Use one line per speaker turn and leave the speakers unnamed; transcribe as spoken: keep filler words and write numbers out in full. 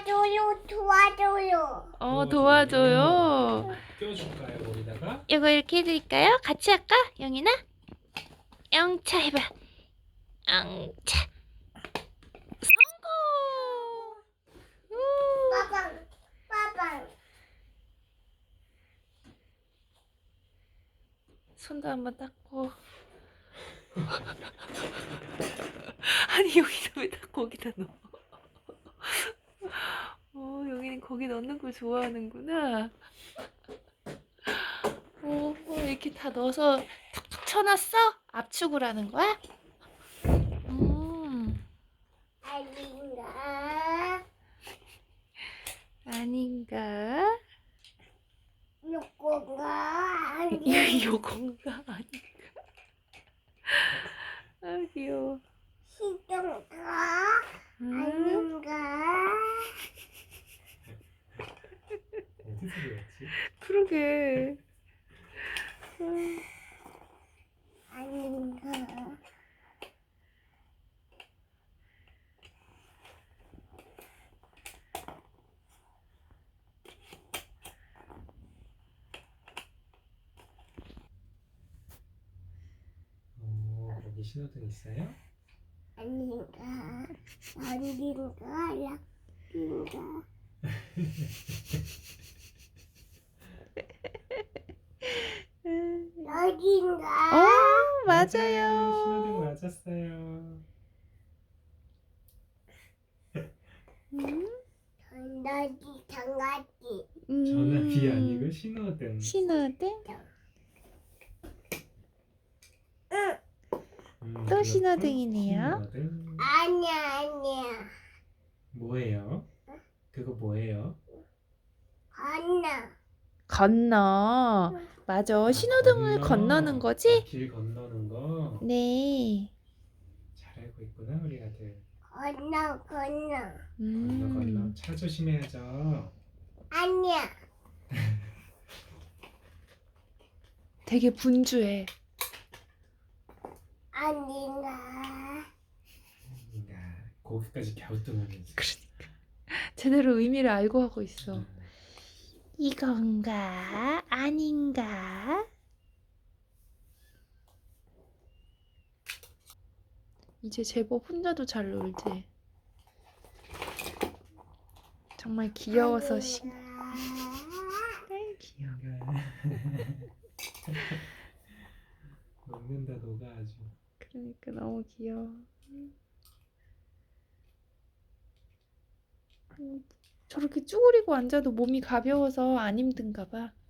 도와줘요, 도와줘요.
어, 도와줘요.
껴줄까요, 거기다가?
이거 이렇게 해드릴까요? 같이 할까? 영이나? 영차 해봐. 영차. 성공! 우.
빠방, 빠방.
손도 한번 닦고. 아니, 여기서 왜 다 거기다 넣어? 어, 여기는 거기 넣는 걸 좋아하는구나. 어, 어, 이렇게 다 넣어서 툭툭 쳐놨어? 압축을 하는 거야? 음,
아닌가?
아닌가?
요거가 아닌가?
요건가? 아닌가? 아, 귀여워.
시동가
음,
아닌가?
어디서 배웠지?
그러게. 음,
아닌가?
어, 거기 신호등 있어요?
아닌가? 아닌가? 약인가? 여긴가?
어,
신호등
맞아요.
맞았어요.
음,
전화기, 전화기.
전화기
음,
아니고 신호등.
신호등?
응.
음,
또
그것도
신호등이네요.
신호등.
아니야, 아니야.
뭐예요? 그거 뭐예요?
건너.
건너. 맞아.
아,
신호등을
건너.
건너는
아,
거지?
길 건너는 거.
네.
잘 알고 있구나, 우리 아들.
건너, 건너.
건너 건너.
음,
차 조심해야죠.
아니야.
되게 분주해.
아닌가?
야, 거기까지 갸우뚱하면서.
그러니까. 제대로 의미를 알고 하고 있어.
음.
이건가? 아닌가? 이제 제법 혼자도 잘 놀지. 정말 귀여워서 심. 아이, 귀여워.
녹는다 녹아 아주.
그러니까 너무 귀여워. 음, 저렇게 쭈그리고 앉아도 몸이 가벼워서 안 힘든가 봐.